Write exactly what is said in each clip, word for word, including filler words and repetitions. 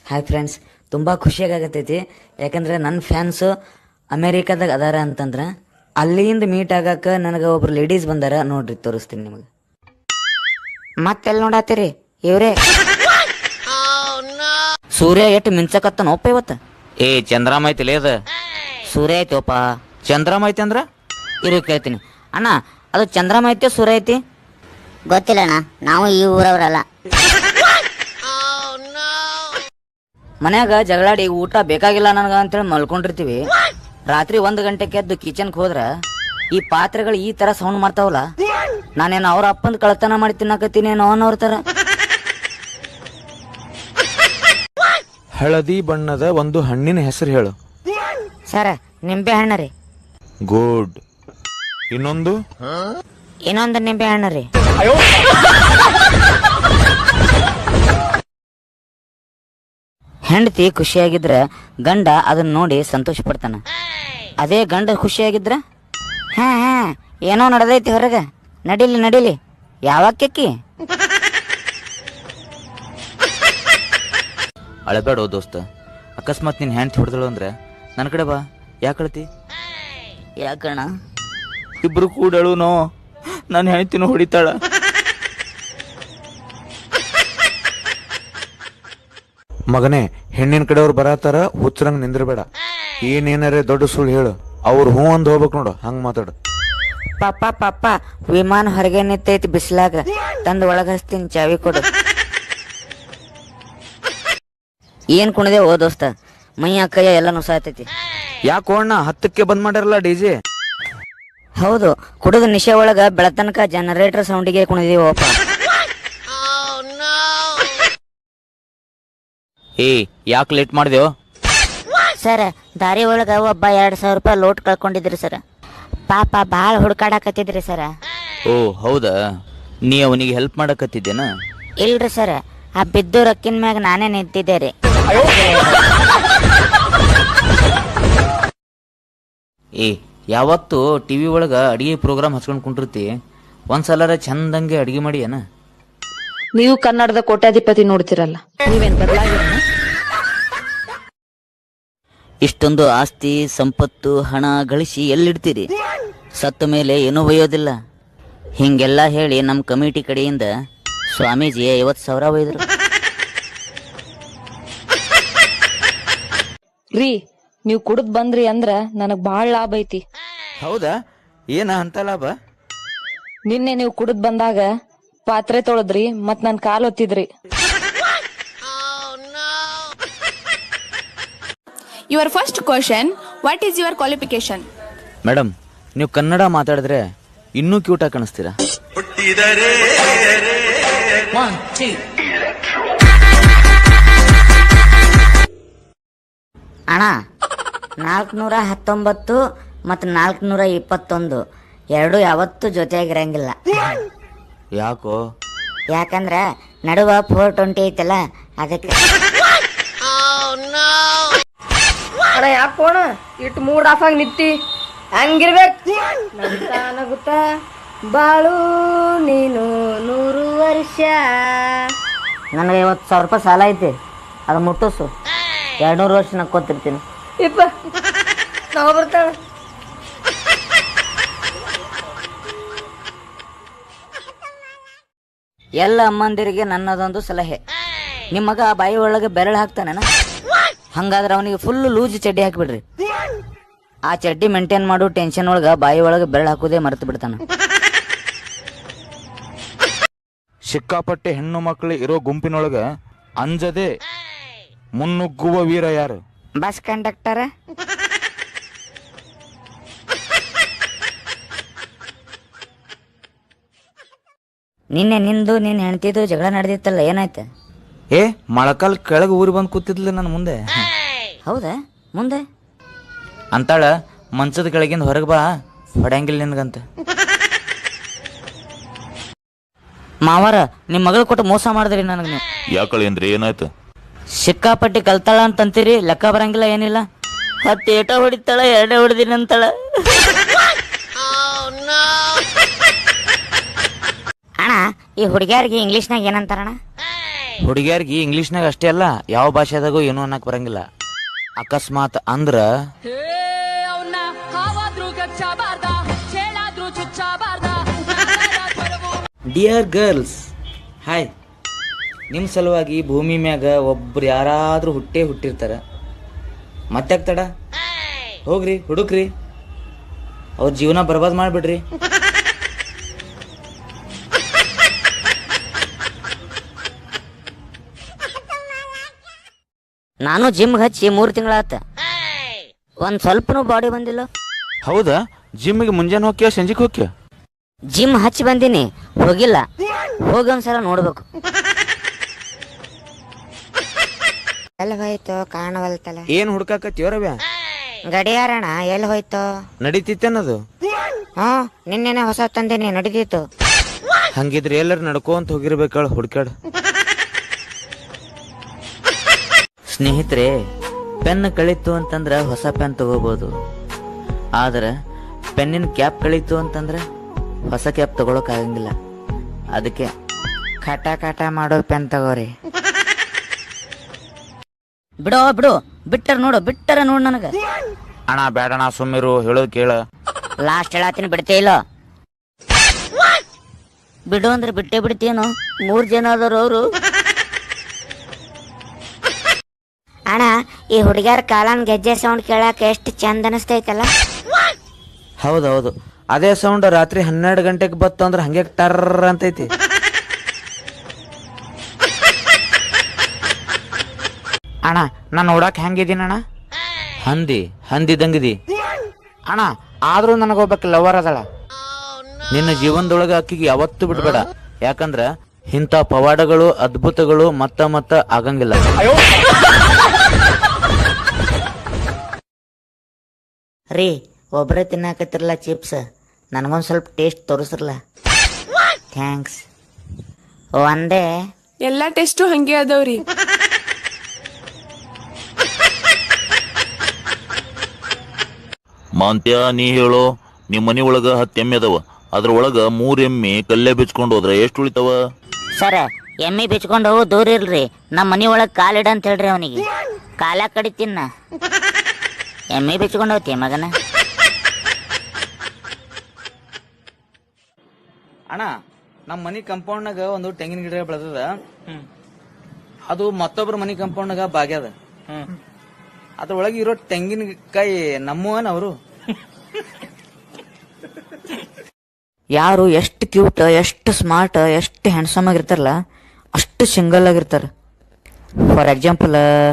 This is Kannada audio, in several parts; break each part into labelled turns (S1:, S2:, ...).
S1: ಹಾಯ್ ಫ್ರೆಂಡ್ಸ್, ತುಂಬ ಖುಷಿಯಾಗತ್ತೈತಿ. ಯಾಕಂದ್ರೆ ನನ್ನ ಫ್ಯಾನ್ಸು ಅಮೇರಿಕಾದಾಗ ಅದಾರ ಅಂತಂದ್ರೆ ಅಲ್ಲಿಂದ ಮೀಟ್ ಆಗಕ್ಕೆ ನನಗೆ ಒಬ್ರು ಲೇಡೀಸ್ ಬಂದಾರ. ನೋಡ್ರಿ, ತೋರಿಸ್ತೀನಿ ನಿಮಗೆ. ಮತ್ತೆಲ್ಲಿ ನೋಡತ್ತೀರಿ? ಇವ್ರೇ ಸೂರ್ಯ ಎಷ್ಟು ಮಿಂಚಕತ್ತ ನೋಪ್ಪ ಇವತ್ತು.
S2: ಏ ಚಂದ್ರಾಮ ಐತಿಲೇ ಅದ.
S1: ಸೂರ್ಯ ಐತಿವಪ್ಪ.
S2: ಚಂದ್ರಾಮ ಐತಿ ಅಂದ್ರ
S1: ಇರು ಕೇಳ್ತೀನಿ. ಅಣ್ಣ, ಅದು ಚಂದ್ರಮ ಐತಿ ಸೂರ್ಯ ಐತಿ?
S3: ಗೊತ್ತಿಲ್ಲ ಅಣ್ಣ, ನಾವು ಈ ಊರವರಲ್ಲ.
S1: ಮನ್ಯಾಗ ಜಗಳಾಡಿ ಊಟ ಬೇಕಾಗಿಲ್ಲ ನನಗ ಅಂತೇಳಿ ಮಲ್ಕೊಂಡಿರ್ತೀವಿ. ರಾತ್ರಿ ಒಂದು ಗಂಟೆಗೆ ಎದ್ದು ಕಿಚನ್ಗೆ ಹೋದ್ರ ಈ ಪಾತ್ರೆಗಳು ಈ ತರ ಸೌಂಡ್ ಮಾಡ್ತಾವಲ್ಲ, ನಾನೇನು ಅವ್ರ ಅಪ್ಪಂದು ಕಳತನ ಮಾಡಿ ತಿನ್ನಕತ್ತೀನಿ ಏನೋ ಅನ್ನೋರ್ ತರ.
S2: ಹಳದಿ ಬಣ್ಣದ ಒಂದು ಹಣ್ಣಿನ ಹೆಸರು ಹೇಳು.
S1: ಸರ, ನಿಂಬೆ ಹಣ್ಣ ರೀ.
S2: ಗುಡ್. ಇನ್ನೊಂದು
S1: ಇನ್ನೊಂದು ನಿಂಬೆ ಹಣ್ಣ ರೀ. ಹೆಂಡತಿ ಖುಷಿಯಾಗಿದ್ರ ಗಂಡ ಅದನ್ನ ನೋಡಿ ಸಂತೋಷ ಪಡ್ತಾನ. ಅದೇ ಗಂಡ ಖುಷಿಯಾಗಿದ್ರ ಹಾ ಹಾ ಏನೋ ನಡೆದೈತಿ ಹೊರಗ, ನಡಿಲಿ ನಡಿಲಿ, ಯಾವಾಕಿ
S2: ಅಳಬೇಡ ದೋಸ್ತ. ಅಕಸ್ಮಾತ್ ನಿನ್ ಹ್ಯಾಂಡ್ ಹೊಡೆದಳು ಅಂದ್ರೆ ನನ್ನ ಕಡೆ ಬಾ. ಯಾಕಳತಿ?
S1: ಯಾಕಣ್ಣ?
S2: ಇಬ್ರು ಕೂಡಳು ನೋ ನಾನು ಹೆಣ್ತಿನ ಹೊಡಿತಾಳ. ಮಗನೇ, ಹೆಣ್ಣಿನ ಕಡೆಯವ್ರು ಬರತಾರ, ಹುಚ್ಚರಂಗ್ ನಿಂದ್ರಬೇಡ. ಏನೇನಾರೆ ದೊಡ್ಡ ಸುಳ್ಳು ಹೇಳು, ಅವ್ರು ಹೂ ಅಂದ್ ಹೋಗ್ಬೇಕು ನೋಡು. ಹಂಗ ಮಾತಾಡು.
S1: ಪಾಪ ಪಾಪ, ವಿಮಾನ ಹೊರಗೆ ನಿಂತೈತಿ ಬಿಸ್ಲಾಗ, ತಂದು ಒಳಗ ಹಚ್ತೀನಿ, ಚಾವಿ ಕೊಡು. ಏನ್ ಕುಣದೆ ಓ ದೋಸ್ತ, ಮೈಯ ಕೈಯ ಎಲ್ಲ ನುಸಾತೈತಿ.
S2: ಯಾಕೋ ಅಣ್ಣ, ಹತ್ತಕ್ಕೆ ಬಂದ್ ಮಾಡ್ಯಾರಲ್ಲ ಡಿಜೆ?
S1: ಹೌದು, ಕುಡಿದ ನಿಶೆ ಒಳಗ ಬೆಳತನಕ ಜನರೇಟರ್ ಸೌಂಡಿಗೆ ಕುಣಿದೀವಪ್ಪ.
S2: ಏ ಯಾಕೆ ಲೇಟ್ ಮಾಡ್ದೇವ್?
S3: ಸರ್, ದಾರಿ ಒಳಗ ಒಬ್ಬ ಎರಡ್ ಸಾವಿರ ರೂಪಾಯಿ ಲೋಟ್ ಕಳ್ಕೊಂಡಿದ್ರಿ ಸರ್. ಪಾಪ ಬಾಳ ಹುಡುಕಾಡಕತ್ತಿದ್ರಿ ಸರ್.
S2: ಓ ಹೌದಾ, ನೀ ಅವನಿಗೆ ಹೆಲ್ಪ್ ಮಾಡಕತ್ತಿದ್ದೇನ?
S3: ಇಲ್ರಿ ಸರ್, ಆ ಬಿದ್ದು ರೊಕ್ಕಿನ ಮ್ಯಾಗ ನಾನೇ ನಿಂತಿದ್ದೆ ರೀ.
S2: ಏ ಯಾವತ್ತು ಟಿವಿ ಒಳಗ ಅಡಿಗೆ ಪ್ರೋಗ್ರಾಮ್ ಹಚ್ಕೊಂಡ್ ಕುಂಡಿರ್ತಿ, ಒಂದ್ಸಲ ಚಂದಂಗೆ ಅಡಿಗೆ ಮಾಡಿ ಏನ?
S4: ನೀವು ಕನ್ನಡದ ಕೋಟ್ಯಾಧಿಪತಿ ನೋಡ್ತಿರಲ್ಲ, ನೀವೇನ್ ಬದಲಾಗಿರ?
S1: ಇಷ್ಟೊಂದು ಆಸ್ತಿ ಸಂಪತ್ತು ಹಣ ಗಳಿಸಿ ಎಲ್ಲಿಡ್ತೀರಿ? ಸತ್ತ ಮೇಲೆ ಏನೂ ಒಯ್ಯೋದಿಲ್ಲ. ಹಿಂಗೆಲ್ಲ ಹೇಳಿ ನಮ್ಮ ಕಮಿಟಿ ಕಡೆಯಿಂದ ಸ್ವಾಮೀಜಿ ಐವತ್ತು ಸಾವಿರ ಒಯ್ದರು.
S4: ರೀ, ನೀವು ಕುಡಿದ್ ಬಂದ್ರಿ ಅಂದ್ರ ನನಗ್ ಬಾಳ ಲಾಭ ಐತಿ.
S2: ಹೌದಾ? ಏನ ಅಂತ ಲಾಭ?
S4: ನಿನ್ನೆ ನೀವು ಕುಡಿದ್ ಬಂದಾಗ ಪಾತ್ರೆ ತೊಳೆದ್ರಿ, ಮತ್ ನನ್ ಕಾಲ್ ಒತ್ತಿದ್ರಿ.
S5: Your first question, what is your qualification?
S2: Madam, ನೀವು ಕನ್ನಡ ಮಾತಾಡಿದ್ರೆ ಇನ್ನೂ ಕ್ಯೂಟ್ ಆಗಿ ಕಾಣಿಸ್ತೀರಾ.
S3: ಅಣ್ಣ, ನಾಲ್ಕನೂರ ಹತ್ತೊಂಬತ್ತು ಮತ್ತು ನಾಲ್ಕನೂರ ಇಪ್ಪತ್ತೊಂದು ಎರಡು ಯಾವತ್ತೂ ಜೊತೆಯಾಗಿರಂಗಿಲ್ಲ.
S2: ಯಾಕೋ?
S3: ಯಾಕಂದ್ರ ನಡುವ ಫೋರ್ ಟ್ವೆಂಟಿ ಐತಲ್ಲ, ಅದಕ್ಕೆ.
S4: ಅಣ್ಣ, ಯಾಕೋಣ ಇಟ್ಟು ಮೂಡ್ ಆಫ್ ಆಗಿ ನಿಂತಿ? ಹಂಗಿರ್ಬೇಕು. ನಗುತ್ತಾ ನಗುತ್ತಾ ಬಾಳು ನೀನು ನೂರು ವರ್ಷ.
S1: ನನಗೆ ಐವತ್ತು ಸಾವಿರ ರೂಪಾಯಿ ಸಾಲ ಐತಿ, ಅದು ಮುಟ್ಟಸು. ಎರಡು ನೂರು ವರ್ಷ ನಕ್ಕೋತಿರ್ತೀನಿ.
S4: ಇಪ್ಪ ನಾವು ಬರ್ತಾಳ.
S1: ಎಲ್ಲ ಅಮ್ಮಂದಿರಿಗೆ ನನ್ನದೊಂದು ಸಲಹೆ, ನಿಮ್ಮ ಮಗ ಬಾಯಿ ಒಳಗೆ ಬೆರಳು ಹಾಕ್ತಾನೇನ? ಹಂಗಾದ್ರೆ ಅವನಿಗೆ ಫುಲ್ ಲೂಜ್ ಚಡ್ಡಿ ಹಾಕಿಬಿಡ್ರಿ. ಆ ಚಡ್ಡಿ ಮೇಂಟೈನ್ ಮಾಡು ಟೆನ್ಷನ್ ಒಳಗ ಬಾಯಿ ಒಳಗೆ ಬೆರಳು ಹಾಕುದೇ ಮರೆತು ಬಿಡ್ತಾನ.
S2: ಸಿಕ್ಕಾಪಟ್ಟೆ ಹೆಣ್ಣು ಮಕ್ಕಳು ಇರೋ ಗುಂಪಿನೊಳಗ ಅಂಜದೆ ಮುನ್ನುಗ್ಗುವ ವೀರ ಯಾರು?
S1: Bus conductor. ನಿನ್ನೆ ನಿಂದು ನೀನ್ ಹೆಣ್ತಿದ್ದು ಜಗಳ ನಡೆದಿತ್ತಲ್ಲ, ಏನಾಯ್ತ?
S2: ಏ ಮೊಳಕಾಲ್ ಕೆಳಗೆ ಊರಿ ಬಂದು ಕೂತಿದ್ಲ ನನ್ನ ಮುಂದೆ.
S1: ಹೌದಾ? ಮುಂದೆ
S2: ಅಂತಾಳ, ಮಂಚದ ಕೆಳಗಿಂದ ಹೊರಗೆ ಬಾ, ಹೊಡ್ಯಾಂಗಿಲ್ಲ ನಿನ್ಗಂತ.
S1: ಮಾವಾರ, ನಿಮ್ ಮಗಳು ಕೊಟ್ಟು ಮೋಸ ಮಾಡಿದ್ರಿ ನನಗೆ ನೀವು.
S2: ಯಾಕಳಿ ಅಂದ್ರೆ ಏನಾಯ್ತು?
S1: ಸಿಕ್ಕಾಪಟ್ಟಿ ಕಲ್ತಾಳ ಅಂತಂತೀರಿ, ಲೆಕ್ಕ ಬರಂಗಿಲ್ಲ ಏನಿಲ್ಲ. ಹತ್ತು ಏಟ ಹೊಡಿತಾಳ, ಎರಡೇ ಹೊಡೆದಿನ ಅಂತಾಳ.
S3: ಅಣ್ಣ, ಈ ಹುಡುಗಿಯರಿಗೆ ಇಂಗ್ಲೀಷ್ನಾಗ ಏನಂತಾರಣ್ಣ?
S2: ಹುಡುಗಿಯರ್ಗಿ ಇಂಗ್ಲಿಷ್ನಾಗ ಅಷ್ಟೇ ಅಲ್ಲ ಯಾವ ಭಾಷೆದಾಗೂ ಏನು ಅನ್ನಕ್ ಬರಂಗಿಲ್ಲ. ಅಕಸ್ಮಾತ್ ಅಂದ್ರ ಡಿಯರ್ ಗರ್ಲ್ಸ್ ಹಾಯ್, ನಿಮ್ಮ ಸಲುವಾಗಿ ಭೂಮಿ ಮ್ಯಾಗ ಒಬ್ರು ಯಾರಾದ್ರೂ ಹುಟ್ಟೇ ಹುಟ್ಟಿರ್ತಾರ. ಮತ್ತೆ ತಡ ಹೋಗ್ರಿ ಹುಡುಕ್ರಿ, ಅವ್ರ ಜೀವನ ಬರ್ಬಾದ್ ಮಾಡ್ಬಿಡ್ರಿ.
S3: ನಾನು ಜಿಮ್ ಹಚ್ಚಿ ಮೂರು ತಿಂಗಳಾತ, ಒಂದ್ ಸ್ವಲ್ಪನೂ ಬಾಡಿ ಬಂದಿಲ್ಲ.
S2: ಹೌದಾ? ಜಿಮ್ಗೆ ಮುಂಜಾನೆ ಹೋಗ್ಯ ಸಂಜೆಗೆ ಹೋಗ್ಯ?
S3: ಜಿಮ್ ಹಚ್ಚಿ ಬಂದೀನಿ, ಹೋಗಿಲ್ಲ. ಹೋಗಿ ಒಂದ್ಸಲ ನೋಡ್ಬೇಕು. ಎಲ್ಲಿ ಹೋಯ್ತು ಕಾಣವಲ್ತಲ್ಲ.
S2: ಏನ್ ಹುಡ್ಕಾಕತ್ತೀವ್ರವ್ಯ?
S3: ಗಡಿಯಾರಣ ಎಲ್ಲಿ ಹೋಯ್ತು?
S2: ನಡೀತಿತ್ತೇನದು?
S3: ಹ್ಮ್, ನಿನ್ನೆನೆ ಹೊಸ ತಂದೇನಿ, ನಡೀತಿತ್ತು.
S2: ಹಂಗಿದ್ರೆ ಎಲ್ಲರೂ ನಡ್ಕೊಂತ ಹೋಗಿರ್ಬೇಕಳ ಹುಡ್ಕಾಡ್. ಸ್ನೇಹಿತರೆ, ಪೆನ್ ಕಳೀತು ಅಂತಂದ್ರ ಹೊಸ ಪೆನ್ ತಗೋಬಹುದು, ಆದ್ರೆ ಪೆನ್ನಿನ ಕ್ಯಾಪ್ ಕಳೀತು ಅಂತಂದ್ರ ಹೊಸ ಕ್ಯಾಪ್ ತಗೊಳಕ್ ಆಗಂಗಿಲ್ಲ. ಅದಕ್ಕೆ ಕಟ ಕಟ ಮಾಡೋ ಪೆನ್ ತಗೋರಿ.
S3: ಬಿಡೋ ಬಿಡು, ಬಿಟ್ಟರ ನೋಡು, ಬಿಟ್ಟರ ನೋಡು ನನಗ.
S2: ಅಣ್ಣ ಬೇಡಣ ಸುಮ್ಮಿರು, ಹೇಳೋದ್ ಕೇಳ.
S3: ಲಾಸ್ಟ್ ಹೇಳತ್ತೀನಿ, ಬಿಡ್ತೇ ಇಲ್ಲ. ಬಿಡು ಅಂದ್ರೆ ಬಿಟ್ಟೇ ಬಿಡ್ತೀನೋ. ಮೂರ್ ಜನ ಆದವ್ರು ಅವರು. ಅಣ್ಣ, ಈ ಹುಡುಗ್ಯಾರ ಕಾಲನ್ ಗೆಜ್ಜೆ ಸೌಂಡ್ ಕೇಳಾಕ ಎಷ್ಟು ಚಂದ ಅನಿಸ್ತೈತಲ್ಲ.
S2: ಹೌದೌದು, ಅದೇ ಸೌಂಡ್ ರಾತ್ರಿ ಹನ್ನೆರಡು ಗಂಟೆಗೆ ಬತ್ತು ಅಂದ್ರೆ ಹಂಗೆ ಟರ್ರ ಅಂತೈತಿ. ಅಣ್ಣ ನಾನು ನೋಡಕ್ ಹೆಂಗಿದೀನಿ ಅಣ್ಣ? ಹಂದಿ ಹಂದಿದಂಗಿದಿ ಅಣ್ಣ. ಆದ್ರೂ ನನಗೊಬ್ಬಕ್ಕೆ ಲವರ್ ಅದಳ. ನಿನ್ನ ಜೀವನದೊಳಗ ಅಕ್ಕಿಗೆ ಯಾವತ್ತೂ ಬಿಡ್ಬೇಡ, ಯಾಕಂದ್ರ ಇಂಥ ಪವಾಡಗಳು ಅದ್ಭುತಗಳು ಮತ್ತ ಮತ್ತ ಆಗಂಗಿಲ್ಲ.
S3: ರೀ, ಒಬ್ಬರೇ ತಿನ್ನಾಕತ್ತಿರಲ್ಲ ಚಿಪ್ಸ್, ನನಗೊಂದು ಸ್ವಲ್ಪ ಟೇಸ್ಟ್ ತೋರಿಸ್ರಲ್ಲ. ಥ್ಯಾಂಕ್ಸ್. ಒಂದೇ
S5: ಎಲ್ಲಾ ಟೆಸ್ಟು ಹಂಗೆ ಅದಾವ್ರಿ.
S6: ಮಾಂತ್ಯ, ನೀ ಹೇಳೋ, ನಿಮ್ ಮನಿ ಒಳಗ ಹತ್ತು ಎಮ್ಮೆ ಅದಾವ, ಅದ್ರ ಒಳಗ ಮೂರ್ ಎಮ್ಮೆ ಕಲ್ಲೇ ಬಿಚ್ಕೊಂಡು ಹೋದ್ರ ಎಷ್ಟು ಉಳಿತಾವ?
S3: ಸರ, ಎಮ್ಮಿ ಬಿಚ್ಕೊಂಡು ಹೋಗು ದೂರ ಇಲ್ರಿ. ನಮ್ಮ ಮನಿ ಒಳಗೆ ಕಾಲಿಡ ಅಂತ ಹೇಳ್ರಿ ಅವನಿಗೆ. ಕಾಲ ಕಡಿತೀನ. ಎಮ್ಮಿ ಬಿಚ್ಕೊಂಡು ಹೋಗ್ತಿ ಮಗನ.
S2: ಅಣ್ಣ, ನಮ್ಮ ಮನಿ ಕಂಪೌಂಡ್ನಾಗ ಒಂದು ತೆಂಗಿನ ಗಿಡ ಬೆಳೆದದ. ಅದು ಮತ್ತೊಬ್ರ ಮನಿ ಕಂಪೌಂಡ್ನಾಗ ಬಾಗ್ಯದ. ಅದ್ರೊಳಗೆ ಇರೋ ತೆಂಗಿನಕಾಯಿ ನಮ್ಮವನ್ ಅವರು.
S1: ಯಾರು ಎಷ್ಟು ಕ್ಯೂಟ್, ಎಷ್ಟು ಸ್ಮಾರ್ಟ್, ಎಷ್ಟು ಹ್ಯಾಂಡ್ಸಮ್ ಆಗಿರ್ತಾರಲ್ಲ, ಅಷ್ಟು ಸಿಂಗಲ್ ಆಗಿರ್ತಾರ. ಫಾರ್ ಎಕ್ಸಾಂಪಲ್,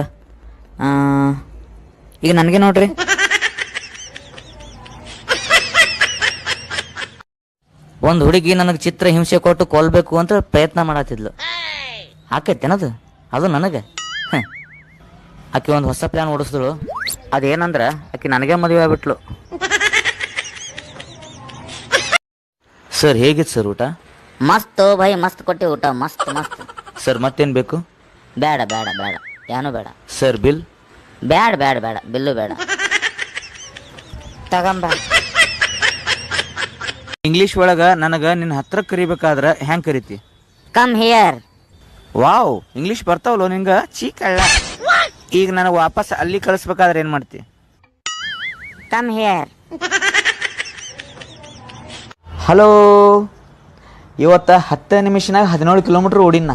S1: ಈಗ ನನಗೆ ನೋಡ್ರಿ, ಒಂದು ಹುಡುಗಿ ನನಗೆ ಚಿತ್ರ ಹಿಂಸೆ ಕೊಟ್ಟು ಕೊಲ್ಬೇಕು ಅಂತ ಪ್ರಯತ್ನ ಮಾಡತ್ತಿದ್ಲು. ಆಕೈತೇನದು? ಅದು ನನಗೆ. ಆಕೆ ಒಂದು ಹೊಸ ಪ್ಲಾನ್ ಓಡಿಸಿದ್ರು. ಅದೇನಂದ್ರ, ಆಕೆ ನನಗೆ ಮದುವೆ ಆಗ್ಬಿಟ್ಲು.
S2: ಸರ್ ಹೇಗಿತ್ತು ಸರ್ ಊಟ?
S3: ಮಸ್ತ್ ಭೈ, ಮಸ್ತ್ ಕೊಟ್ಟಿ ಊಟ, ಮಸ್ತ್ ಮಸ್ತ್.
S2: ಸರ್ ಮತ್ತೇನ್ ಬೇಕು?
S3: ಬೇಡ ಬೇಡ ಬೇಡ, ಏನು ಬೇಡ.
S2: Sir bill?
S3: ಬೇಡ ಬೇಡ ಬೇಡ, ಬಿಲ್ಲು ಬೇಡ. ತಗೊಂಬ.
S2: ಇಂಗ್ಲಿಷ್ ಒಳಗ ನನಗ ನಿನ್ನ ಹತ್ರ ಕರಿಬೇಕಾದ್ರ ಹೆಂಗ್ ಕರಿತಿ?
S3: Come here.
S2: ವಾವ್, ಇಂಗ್ಲಿಷ್ ಬರ್ತಾವಲ್ಲೋ ನಿಂಗ, ಚೀಕಳ್ಳ. ಈಗ ನನಗೆ ವಾಪಸ್ ಅಲ್ಲಿ ಕಳಿಸ್ಬೇಕಾದ್ರೆ ಏನ್ ಮಾಡ್ತಿ?
S3: Come here.
S2: ಹಲೋ, ಇವತ್ತ ಹತ್ತು ನಿಮಿಷನಾಗ ಹದಿನೇಳು ಕಿಲೋಮೀಟರ್ ಓಡಿನ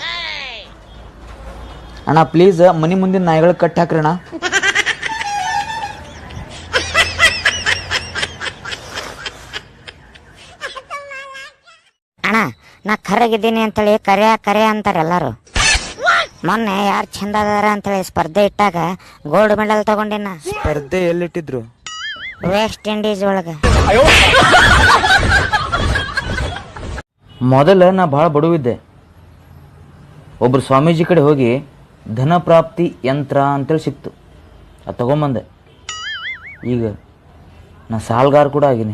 S2: ಅಣ್ಣ. ಪ್ಲೀಸ್ ಮನಿ ಮುಂದಿನ ನಾಯಿಗಳು ಕಟ್ಟಿ ಹಾಕ್ರಿ ಅಣ್ಣ.
S3: ಅಣ್ಣ, ನಾ ಕರಗಿದ್ದೀನಿ ಅಂತೇಳಿ ಕರೆ ಕರೆ ಅಂತಾರೆ ಎಲ್ಲಾರು. ಮೊನ್ನೆ ಯಾರು ಚಂದ ಅದಾರ ಅಂತೇಳಿ ಸ್ಪರ್ಧೆ ಇಟ್ಟಾಗ ಗೋಲ್ಡ್ ಮೆಡಲ್ ತಗೊಂಡಿನ.
S2: ಸ್ಪರ್ಧೆ ಎಲ್ಲಿಟ್ಟಿದ್ರು?
S3: ವೆಸ್ಟ್ ಇಂಡೀಸ್ ಒಳಗ.
S1: ಮೊದಲ ನಾ ಭಾಳ ಬಡವಿದ್ದೆ. ಒಬ್ರು ಸ್ವಾಮೀಜಿ ಕಡೆ ಹೋಗಿ ಧನ ಪ್ರಾಪ್ತಿ ಯಂತ್ರ ಅಂತೇಳಿ ಸಿಕ್ತು, ಅದು ತಗೊಂಬಂದೆ. ಈಗ ನಾ ಸಾಲ್ಗಾರ ಕೂಡ ಆಗಿನಿ.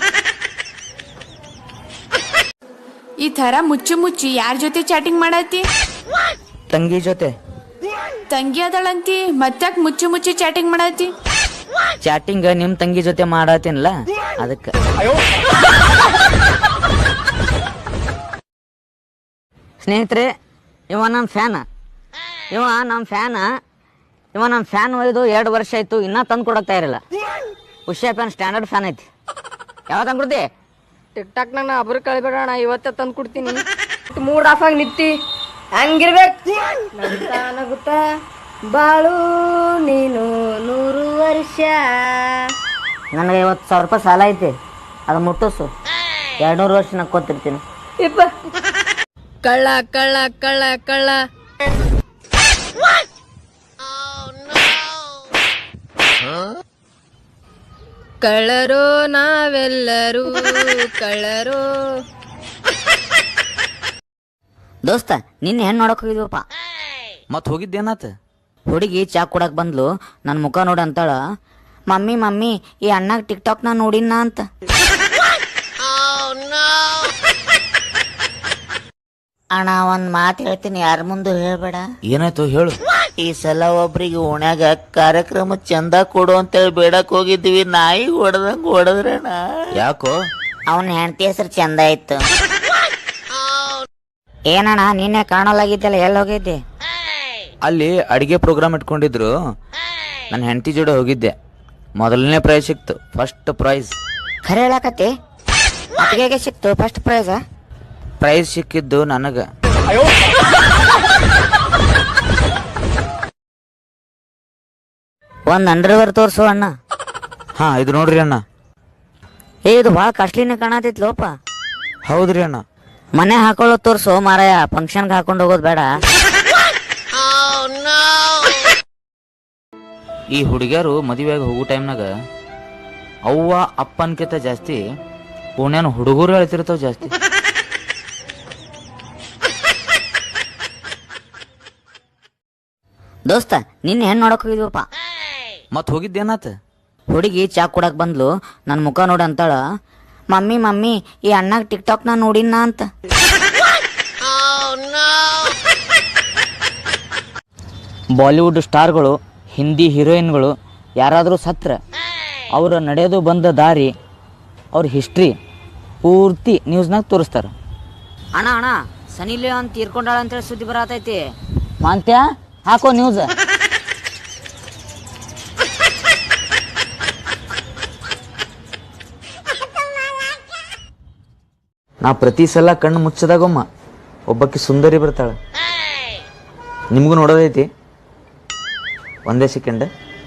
S5: ಈ ತರ ಮುಚ್ಚು ಮುಚ್ಚಿ ಯಾರ ಜೊತೆ ಚಾಟಿಂಗ್ ಮಾಡತ್ತಿ?
S1: ತಂಗಿ ಜೊತೆ.
S5: ತಂಗಿ ಅದಳಂತಿ, ಮತ್ತಾಕ್ ಮುಚ್ಚು ಮುಚ್ಚಿ ಚಾಟಿಂಗ್ ಮಾಡತ್ತಿ?
S1: ಚಾಟಿಂಗ್ ನಿಮ್ ತಂಗಿ ಜೊತೆ ಮಾಡತ್ತೀನಲ್ಲ, ಅದಕ್ಕೆ. ಸ್ನೇಹಿತರೆ, ಇವ ನಮ್ಮ ಫ್ಯಾನ್ ಇವ ನಮ್ಮ ಫ್ಯಾನ್ ಇವ ನಮ್ಮ ಫ್ಯಾನ್ ಒಯ್ದು ಎರಡು ವರ್ಷ ಆಯ್ತು ಇನ್ನೂ ತಂದು ಕೊಡಕ್ತಾ ಇರಲ್ಲ. ಉಷಾ ಫ್ಯಾನ್ ಸ್ಟ್ಯಾಂಡರ್ಡ್ ಫ್ಯಾನ್ ಐತಿ. ಯಾವಾಗ ತಂದು ಕೊಡ್ತಿ?
S4: ಟಿಕ್ ಟಾಕ್ ನನ್ನ ಅಬ್ರು ಕಳಿಬೇಡಣ, ಇವತ್ತೇ ತಂದು ಕೊಡ್ತೀನಿ. ಮೂಡ್ ಆಫ್ ಆಗಿ ನಿಂತಿ ಹಂಗಿರ್ಬೇಕು. ನಗುತ್ತಾ ನಗುತ್ತಾ ಬಾಳು ನೀನು ನೂರು ವರ್ಷ.
S1: ನನಗೆ ಐವತ್ತು ಸಾವಿರ ರೂಪಾಯಿ ಸಾಲ ಐತಿ, ಅದು ಮುಟ್ಟಿಸು. ಎರಡು ನೂರು ವರ್ಷ ನಕ್ಕೋತಿರ್ತೀನಿ.
S4: ಇಪ್ಪ ಕಳ್ಳ ಕಳ್ಳ ಕಳ್ಳ ಕಳ್ಳ. ಕಳ್ಳರೋ ನಾವೆಲ್ಲರೂ ಕಳ್ಳರೋ.
S1: ದೋಸ್ತ ನಿನ್ನೆ ಹೆಣ್ಣು ನೋಡಕ್ ಹೋಗಿದ್ವಪ್ಪ.
S2: ಮತ್ ಹೋಗಿದ್ದೇನಾತ?
S1: ಹುಡುಗಿ ಚಾ ಕೊಡಕ್ ಬಂದ್ಲು. ನನ್ನ ಮುಖ ನೋಡಿ ಅಂತಾಳ, ಮಮ್ಮಿ ಮಮ್ಮಿ ಈ ಅಣ್ಣಾಗ ಟಿಕ್ ಟಾಕ್ ನಾ ನೋಡಿನ ಅಂತ.
S3: ಅಣ್ಣ ಒಂದ್ ಮಾತು ಹೇಳ್ತೀನಿ, ಯಾರ ಮುಂದೆ ಹೇಳ್ಬೇಡ.
S2: ಏನಾಯ್ತು ಹೇಳು.
S3: ಈ ಸಲ ಒಬ್ರಿಗೆ ಓಣ್ಯಾಗ ಕಾರ್ಯಕ್ರಮ ಚಂದ ಕೊಡು ಅಂತೇಳಿ ಬೇಡಕ್ ಹೋಗಿದ್ವಿ. ನಾಯಿ ಹೊಡೆದಂಗ ಹೊಡೆದ್ರಣ.
S2: ಯಾಕೋ?
S3: ಅವನ ಹೆಂಡತಿ ಹೆಸರು ಚಂದ ಇತ್ತು.
S1: ಏನಣ್ಣ ನಿನ್ನೆ ಕಾಣಲಾಗಿದ್ದಲ್ಲ, ಎಲ್ಲಿ ಹೋಗಿದ್ದೆ?
S2: ಅಲ್ಲಿ ಅಡಿಗೆ ಪ್ರೋಗ್ರಾಮ್ ಇಟ್ಕೊಂಡಿದ್ರು, ನನ್ನ ಹೆಂಡತಿ ಜೋಡಿ ಹೋಗಿದ್ದೆ. ಮೊದಲನೇ ಪ್ರೈಸ್ ಸಿಕ್ತು, ಫಸ್ಟ್ ಪ್ರೈಸ್.
S1: ಖರೆ ಹೇಳಕತ್ತಿ? ಅತ್ತಿಗೆಗೆ ಸಿಕ್ತು ಫಸ್ಟ್ ಪ್ರೈಸ್?
S2: ಪ್ರೈಸ್ ಸಿಕ್ಕಿದ್ದು ನನಗ.
S1: ಒಂದ್ ಅಂಡರ್ವೇರ್ ತೋರ್ಸು ಅಣ್ಣ.
S2: ಹಾ ಇದು ನೋಡ್ರಿ ಅಣ್ಣ.
S1: ಏ ಇದು ಭಾಳ ಕಾಸ್ಟ್ಲಿನೇ ಕಾಣತಿತ್ಲೋಪ.
S2: ಹೌದ್ರಿ ಅಣ್ಣ.
S1: ಮನೆ ಹಾಕೊಳ್ಳೋ ತೋರ್ಸು ಮಾರಾಯ, ಫಂಕ್ಷನ್ಗೆ ಹಾಕೊಂಡು ಹೋಗೋದು ಬೇಡ.
S2: ಈ ಹುಡುಗಿಯರು ಮದುವೆಯಾಗಿ ಹೋಗೋ ಟೈಮ್ನಾಗ ಅವ್ವ ಅಪ್ಪನ್ಕಿಂತ ಜಾಸ್ತಿ ಪುಣ್ಯನ ಹುಡುಗರು ಹೇಳ್ತಿರ್ತಾವ ಜಾಸ್ತಿ.
S1: ದೋಸ್ತ ನಿನ್ನೆ ಹೆಣ್ಣು ನೋಡಕ್ ಹೋಗಿದ್ವಪ್ಪ.
S2: ಮತ್ ಹೋಗಿದ್ದೇನಾತ?
S1: ಹುಡುಗಿ ಚಾ ಕೊಡಕ್ ಬಂದ್ಲು. ನನ್ನ ಮುಖ ನೋಡಿ ಅಂತಾಳ, ಮಮ್ಮಿ ಮಮ್ಮಿ ಈ ಅಣ್ಣಾಗ ಟಿಕ್ ಟಾಕ್ ನಾ ನೋಡಿನ ಅಂತ. ಬಾಲಿವುಡ್ ಸ್ಟಾರ್ಗಳು, ಹಿಂದಿ ಹೀರೋಯಿನ್ಗಳು ಯಾರಾದರೂ ಸತ್ರ ಅವ್ರ ನಡೆಯೋದು ಬಂದ ದಾರಿ, ಅವ್ರ ಹಿಸ್ಟ್ರಿ ಪೂರ್ತಿ ನ್ಯೂಸ್ನಾಗ ತೋರಿಸ್ತಾರ. ಅಣ್ಣ ಅಣ್ಣ ಸನಿ ಲಿಯೋನ್ ತೀರ್ಕೊಂಡಾಳ ಅಂತೇಳಿ ಸುದ್ದಿ ಬರತೈತಿ. ಮಾಂತ್ಯ ಹಾಕೋ ನ್ಯೂಸ್.
S2: ನಾ ಪ್ರತಿ ಸಲ ಕಣ್ಣು ಮುಚ್ಚದಾಗೊಮ್ಮ ಒಬ್ಬಕ್ಕೆ ಸುಂದರಿ ಬರ್ತಾಳ. ನಿಮಗೂ ನೋಡೋದೈತಿ? ಒಂದೇ ಸೆಕೆಂಡ್.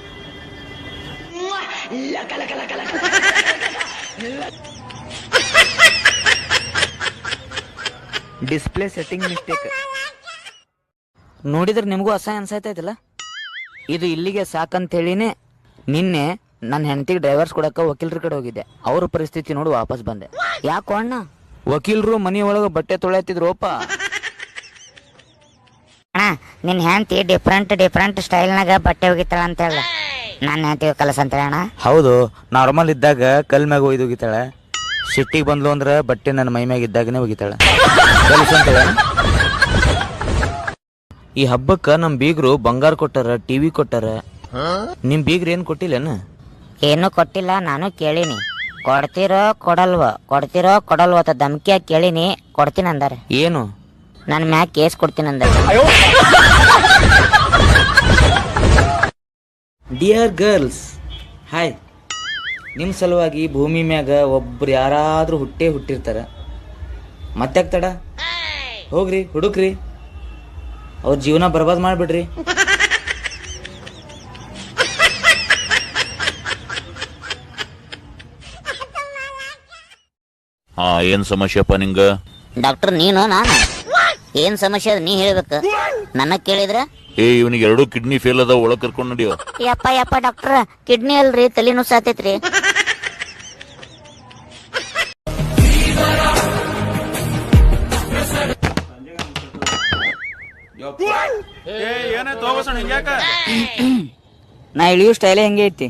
S2: Display setting mistake.
S1: ನೋಡಿದ್ರೆ ನಿಮಗೂ ಅಸಹ್ಯ ಅನ್ಸೈತೈತಲ್ಲ. ಇದು ಇಲ್ಲಿಗೆ ಸಾಕಂತೇಳಿನೇ ನಿನ್ನೆ ನನ್ನ ಹೆಂಡತಿಗೆ ಡ್ರೈವರ್ಸ್ ಕೊಡಕ್ಕೆ ವಕೀಲರ ಕಡೆ ಹೋಗಿದ್ದೆ. ಅವ್ರ ಪರಿಸ್ಥಿತಿ ನೋಡಿ ವಾಪಸ್ ಬಂದೆ. ಯಾಕೋ ಅಣ್ಣ?
S2: ವಕೀಲರು ಮನಿ ಒಳಗೆ ಬಟ್ಟೆ ತೊಳೆಯತ್ತಿದ್ರೋಪ.
S3: ಅಣ್ಣ ನಿನ್ ಹೆಂಡತಿ ಡಿಫ್ರೆಂಟ್ ಡಿಫ್ರೆಂಟ್ ಸ್ಟೈಲ್ನಾಗ ಬಟ್ಟೆ ಒಗಿತಾಳ ಅಂತ ಹೇಳ. ನನ್ನ ಹೆಂಡತಿ ಕಲಸ ಅಂತ ಹೇಳಣ.
S2: ಹೌದು, ನಾರ್ಮಲ್ ಇದ್ದಾಗ ಕಲ್ ಮ್ಯಾಗ ಒಯ್ದು ಒಗಿತಾಳೆ. ಸಿಟ್ಟಿಗೆ ಬಂದ್ಲು ಅಂದ್ರೆ ಬಟ್ಟೆ ನನ್ನ ಮೈ ಮ್ಯಾಗ ಇದ್ದಾಗನೇ ಒಗಿತಾಳೆ. ಈ ಹಬ್ಬಕ್ಕ ನಮ್ ಬೀಗ್ರು ಬಂಗಾರ ಕೊಟ್ಟಾರ, ಟಿವಿ ಕೊಟ್ಟಾರ. ನಿಮ್ ಬೀಗ್ರ ಏನ್ ಕೊಟ್ಟಿಲ್ಲೇನ?
S3: ಏನು ಕೊಟ್ಟಿಲ್ಲ, ನಾನು ಕೇಳಿನಿ. ಕೊಡ್ತಿರೋ ಕೊಡಲ್ವ ಕೊಡ್ತಿರೋ ಕೊಡಲ್ವ ಅಂತ ಧಮ್ಕಿಯಾಗಿ ಕೇಳಿನಿ. ಕೊಡ್ತೀನಿ ಅಂದಾರೆ.
S2: ಏನು?
S3: ನನ್ನ ಮ್ಯಾಗ ಕೇಸ್ ಕೊಡ್ತೀನಿ ಅಂದಾರೆ.
S2: Dear girls, hi. ನಿಮ್ಮ ಸಲುವಾಗಿ ಭೂಮಿ ಮ್ಯಾಗ ಒಬ್ರು ಯಾರಾದ್ರೂ ಹುಟ್ಟೇ ಹುಟ್ಟಿರ್ತಾರ. ಮತ್ತ್ಯಾಕ್ ತಡ? ಹೋಗ್ರಿ ಹುಡುಕ್ರಿ, ಅವ್ರ ಜೀವನ ಬರ್ಬಾದ್ ಮಾಡ್ಬಿಡ್ರಿ.
S6: ಹಾ ಏನ್ ಸಮಸ್ಯೆಪ್ಪ ನಿಂಗ?
S3: ಡಾಕ್ಟರ್ ನೀನು ನಾನು ಏನ್ ಸಮಸ್ಯೆ ಅದ ನೀ ಹೇಳ್ಬೇಕು. ನನ್ನ ಕೇಳಿದ್ರ
S6: ಏ ಇವನಿಗೆ ಎರಡು ಕಿಡ್ನಿ ಫೇಲ್ ಅದ, ಒಳಗ್ ಕರ್ಕೊಂಡ್ ನಡಿಯೋ.
S3: ಯಪ್ಪ ಯಪ್ಪ ಡಾಕ್ಟರ್ ಕಿಡ್ನಿ ಅಲ್ರಿ, ತಲೆನೂ ಸಾತೈತ್ರಿ.
S1: ನಾ ಇಳಿಯೋ ಸ್ಟೈಲೇ ಹೆಂಗೆ ಐತಿ.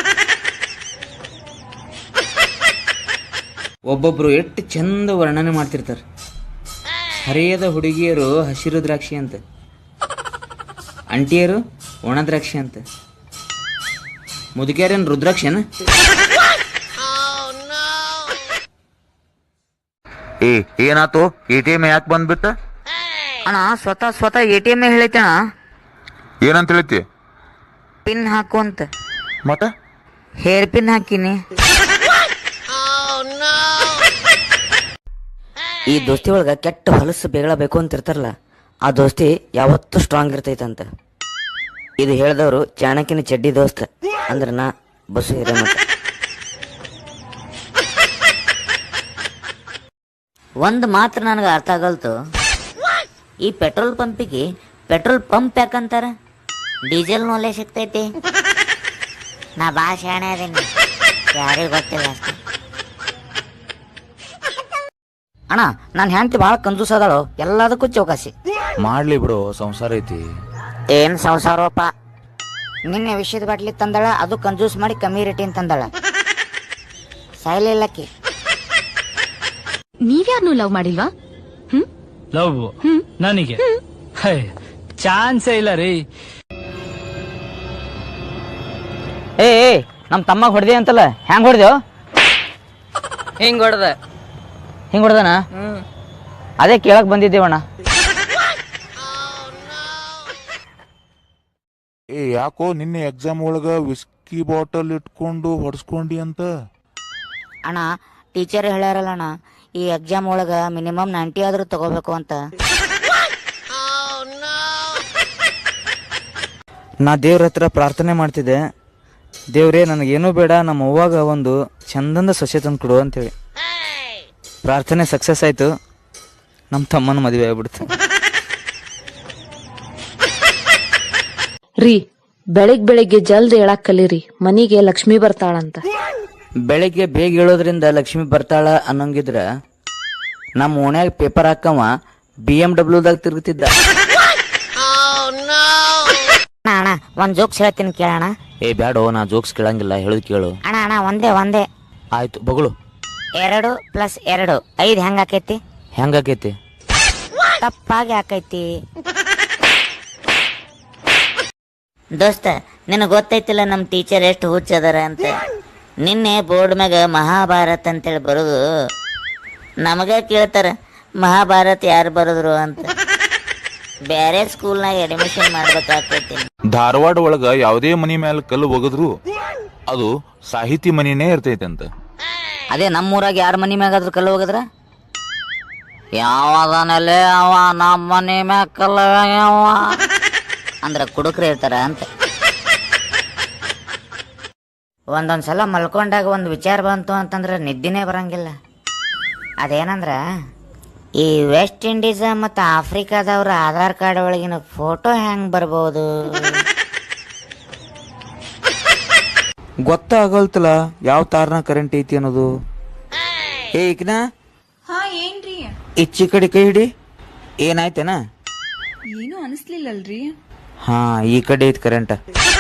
S2: ಒಬ್ಬೊಬ್ರು ಎಷ್ಟು ಚಂದ ವರ್ಣನೆ ಮಾಡ್ತಿರ್ತಾರ. ಹರಿಯದ ಹುಡುಗಿಯರು ಹಸಿರು ದ್ರಾಕ್ಷಿ ಅಂತ, ಅಂಟಿಯರು ಒಣ ದ್ರಾಕ್ಷಿ ಅಂತ, ಮುದುಕಿಯರೇನು ರುದ್ರಾಕ್ಷಿನ?
S6: ಏ ಏನಾತು? ಎ ಟಿ ಎಮ್ ಯಾಕೆ ಬಂದ್ಬಿಟ್ಟ?
S1: ಅಣ್ಣ ಸ್ವತಃ ಸ್ವತಃ ಎ ಟಿ ಎಮ್ ಹೇಳೈತಣ
S7: ಏನಂತ ಹೇಳ್ತಿ
S1: ಪಿನ್ ಹಾಕು ಅಂತ.
S7: ಮತ್ತ
S1: ಹೇರ್ ಪಿನ್ ಹಾಕಿನಿ. ಈ ದೋಸ್ತಿ ಒಳಗ ಕೆಟ್ಟ ಹೊಲಸು ಬೇಗಳಬೇಕು ಅಂತ ಇರ್ತಾರಲ್ಲ, ಆ ದೋಸ್ತಿ ಯಾವತ್ತೂ ಸ್ಟ್ರಾಂಗ್ ಇರ್ತೈತಂತ. ಇದು ಹೇಳಿದವರು ಚಾಣಕ್ಯನ ಚಡ್ಡಿ ದೋಸ್ತ ಅಂದ್ರ ನಾ ಬಸ್ಸು ಹಿರೇಮಠ. ಒಂದು ಮಾತ್ರ ನನಗೆ ಅರ್ಥ ಆಗಲ್ತು, ಈ ಪೆಟ್ರೋಲ್ ಪಂಪಿಗೆ ಪೆಟ್ರೋಲ್ ಪಂಪ್ ಯಾಕಂತಾರ? ಡೀಸೆಲ್ ಒಲೆ ಸಿಗ್ತೈತಿ.
S3: ನಾ ಭಾಳ ಶಾಣೆ ಅದೀನಿ, ಯಾರಿಗೂ ಗೊತ್ತಿಲ್ಲ ಅಷ್ಟೇ.
S1: ಅಣ್ಣ ನಾನು ಹೆಂಡತಿ ಭಾಳ ಕಂಜೂಸ್ ಅದಾಳು, ಎಲ್ಲದಕ್ಕೂ ಚೌಕಾಸಿ.
S2: ಮಾಡ್ಲಿ ಬಿಡು, ಸಂಸಾರ ಐತಿ.
S3: ಏನ್ ಸಂಸಾರೋಪ?
S1: ನಿನ್ನೆ ವಿಷಯದ ಬಾಟ್ಲಿ ತಂದಾಳ, ಅದು ಕಂಜೂಸ್ ಮಾಡಿ ಕಮ್ಮಿ ರೇಟಿನ ತಂದಾಳ. ಸಾಯ್ಲಿಲ್ಲಕ್ಕಿ.
S8: ನೀವ್ಯಾರನ್ನೂ ಲವ್ ಮಾಡಿಲ್ವಾ? ಹ್ಮ್
S9: ಲವ್ ನನಗೆ ಚಾನ್ಸೇ ಇಲ್ಲ ರೀ.
S1: ಏ ನಮ್ ತಮ್ಮ ಹೊಡೆದೆ ಅಂತಲ್ಲ, ಹೆಂಗ್ ಹೊಡೆದೇವ್?
S4: ಹಿಂಗ್ ಹೊಡ್ದ.
S1: ಹಿಂಗ್ ಹೊಡೆದನ? ಅದೇ ಕೇಳಕ್ ಬಂದಿದ್ದೇವಣ್ಣ.
S7: ಏ ಯಾಕೋ ನಿನ್ನೆ ಎಕ್ಸಾಮ್ ಒಳಗ ವಿಸ್ಕಿ ಬಾಟಲ್ ಇಟ್ಕೊಂಡು ಹೊಡ್ಸ್ಕೊಂಡಿ ಅಂತ?
S1: ಅಣ್ಣ ಟೀಚರ್ ಹೇಳ್ಯಾರಲ್ಲ ಅಣ್ಣ, ಈ ಎಕ್ಸಾಮ್ ಒಳಗ ಮಿನಿಮಮ್ ನೈಂಟಿ ಆದ್ರೂ ತಗೋಬೇಕು ಅಂತ.
S2: ನಾ ದೇವ್ರ ಹತ್ರ ಪ್ರಾರ್ಥನೆ ಮಾಡ್ತಿದ್ದೆ, ದೇವ್ರೇ ನನಗೇನೂ ಬೇಡ, ನಮ್ಮ ಅವ್ವಾಗ ಒಂದು ಚಂದಂದ ಸೊಸೆ ತಂದು ಕೊಡು ಅಂತೇಳಿ. ಪ್ರಾರ್ಥನೆ ಸಕ್ಸಸ್ ಆಯ್ತು, ನಮ್ಮ ತಮ್ಮನ ಮದುವೆ ಆಗ್ಬಿಡ್ತು.
S8: ರೀ, ಬೆಳಿಗ್ ಬೆಳಿಗ್ಗೆ ಜಲ್ದಿ ಹೇಳಕ್ ಕಲೀರಿ, ಮನಿಗೆ ಲಕ್ಷ್ಮಿ ಬರ್ತಾಳಂತ.
S2: ಬೆಳಿಗ್ಗೆ ಬೇಗ ಹೇಳೋದ್ರಿಂದ ಲಕ್ಷ್ಮಿ ಬರ್ತಾಳ ಅನ್ನಂಗಿದ್ರ ನಮ್ಮ ಓಣ್ಯಾಗ ಪೇಪರ್ ಹಾಕವ ಬಿ ಎಂ ಡಬ್ಲ್ಯೂದಾಗ ತಿರುಗುತ್ತಿದ್ದ.
S3: ಅಣ್ಣ ಒಂದ್ ಜೋಕ್ಸ್ ಹೇಳ್ತೀನಿ ಕೇಳೋಣ.
S2: ಏ ಬ್ಯಾಡೋ, ನಾ ಜೋಕ್ಸ್ ಕೇಳಂಗಿಲ್ಲ, ಹೇಳೋದು ಕೇಳು.
S3: ಅಣ್ಣ ಅಣ್ಣ ಒಂದೇ ಒಂದೇ.
S2: ಆಯ್ತು ಬಗಳು.
S3: ಎರಡು ಪ್ಲಸ್ ಎರಡು ಐದು ಹೆಂಗ್ ಆಕೈತಿ?
S2: ಹೆಂಗಾಕೈತಿ?
S3: ತಪ್ಪಾಗಿ ಆಕೈತಿ. ದೋಸ್ತ, ನಿನಗೆ ಗೊತ್ತೈತಿಲ್ಲ ನಮ್ಮ ಟೀಚರ್ ಎಷ್ಟು ಹುಚ್ಚದಾರ ಅಂತ. ನಿನ್ನೆ ಬೋರ್ಡ್ ಮ್ಯಾಗ ಮಹಾಭಾರತ್ ಅಂತೇಳಿ ಬರೋದು, ನಮಗ ಕೇಳ್ತಾರ ಮಹಾಭಾರತ್ ಯಾರು ಬರೋದ್ರು ಅಂತ. ಬೇರೆ ಸ್ಕೂಲ್ನಾಗ ಅಡ್ಮಿಷನ್ ಮಾಡ್ಬೇಕಾಗ್ತೈತಿ.
S7: ಧಾರವಾಡ ಒಳಗ ಯಾವುದೇ ಮನಿ ಮ್ಯಾಲ ಕಲ್ಲು ಒಗದ್ರು ಅದು ಸಾಹಿತಿ ಮನಿನೇ ಇರ್ತೈತಂತ.
S1: ಅದೇ ನಮ್ಮೂರಾಗ ಯಾರ ಮನಿ ಮ್ಯಾಗಾದ್ರೂ ಕಲ್ಲು ಹೋಗದ್ರ, ಯಾವದನಲ್ಲೇ ಅವ ನಮ್ಮ ಮನಿ ಮ್ಯಾಗ ಕಲ್ಲ ಯಾವ ಅಂದ್ರ ಕುಡುಕ್ರೆ ಇರ್ತಾರ ಅಂತ. ಒಂದೊಂದ್ಸಲ ಮಲ್ಕೊಂಡಾಗ ಒಂದು ವಿಚಾರ ಬಂತು ಅಂತಂದ್ರೆ ನಿದ್ದಿನೇ ಬರಂಗಿಲ್ಲ. ಅದೇನಂದ್ರ, ಈ ವೆಸ್ಟ್ ಇಂಡೀಸ್ ಮತ್ತು ಆಫ್ರಿಕಾದವ್ರ ಆಧಾರ್ ಕಾರ್ಡ್ ಒಳಗಿನ ಫೋಟೋ ಹೆಂಗ್ ಬರ್ಬೋದು?
S2: ಗೊತ್ತಾಗಲ್ತಲ್ಲ ಯಾವ ತಾರನ ಕರೆಂಟ್ ಐತಿ ಅನ್ನೋದು. ಏ ಈಕಿನ
S5: ಹಾ ಏನ್ರಿ?
S2: ಇಚ್ಚಿ ಕಡೆ ಕೈ ಹಿಡಿ. ಏನಾಯ್ತೇನ?
S5: ಏನು ಅನಿಸ್ಲಿಲ್ಲಲ್ರಿ?
S2: ಹಾ, ಈ ಕಡೆ ಐತಿ ಕರೆಂಟ್.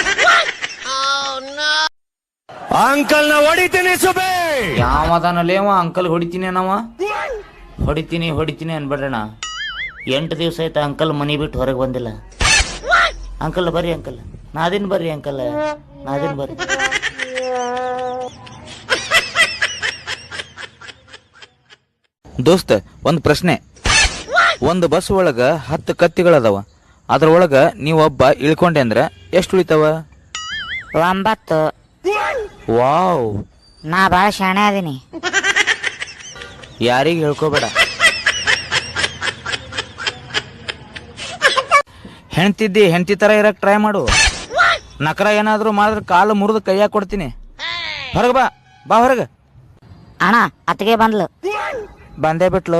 S9: ಅಂಕಲ್ ನ ಹೊಡಿತೀನಿ ಸುಬೇ.
S2: ಯಾವದಾನಲ್ಲೇವ ಅಂಕಲ್ ಹೊಡಿತೀನಿ ನಾವ? ಹೊಡಿತೀನಿ ಹೊಡಿತೀನಿ ಅನ್ಬೇಡ್ರಣ.
S3: ಎಂಟು ದಿವಸ ಆಯ್ತು ಅಂಕಲ್ ಮನಿ ಬಿಟ್ಟು ಹೊರಗೆ ಬಂದಿಲ್ಲ. ಅಂಕಲ್ ಬರ್ರಿ ಅಂಕಲ್, ನಾದಿನ್ ಬರ್ರಿ ಅಂಕಲ್, ನಾದಿನ್ ಬರ್ರಿ.
S2: ದೋಸ್ತ, ಒಂದ್ ಪ್ರಶ್ನೆ. ಒಂದು ಬಸ್ ಒಳಗ ಹತ್ತು ಕತ್ತಿಗಳದಾವ, ಅದ್ರೊಳಗ ನೀವೊಬ್ಬ ಇಳ್ಕೊಂಡೆ ಅಂದ್ರ ಎಷ್ಟು ಉಳಿತಾವ?
S3: ಒಂಬತ್ತು.
S2: ವಾವ್,
S3: ನಾ ಭಾಳ ಶಾಣೆ ಅದೀನಿ.
S2: ಯಾರಿಗೆ ಹೇಳ್ಕೋಬೇಡ. ಹೆಣ್ತಿದ್ದಿ ಹೆಣ್ತಿ ತರ ಇರಕ್ ಟ್ರೈ ಮಾಡು. ನಕರ ಏನಾದ್ರು ಮಾಡಿದ್ರೆ ಕಾಲು ಮುರಿದು ಕೈಯಾಗ ಕೊಡ್ತೀನಿ. ಹೊರಗ ಬಾ, ಬಾ ಹೊರಗ.
S3: ಅಣ್ಣ ಅತ್ತಿಗೆ ಬಂದ್ಲು.
S2: ಬಂದೇ ಬಿಟ್ಲು.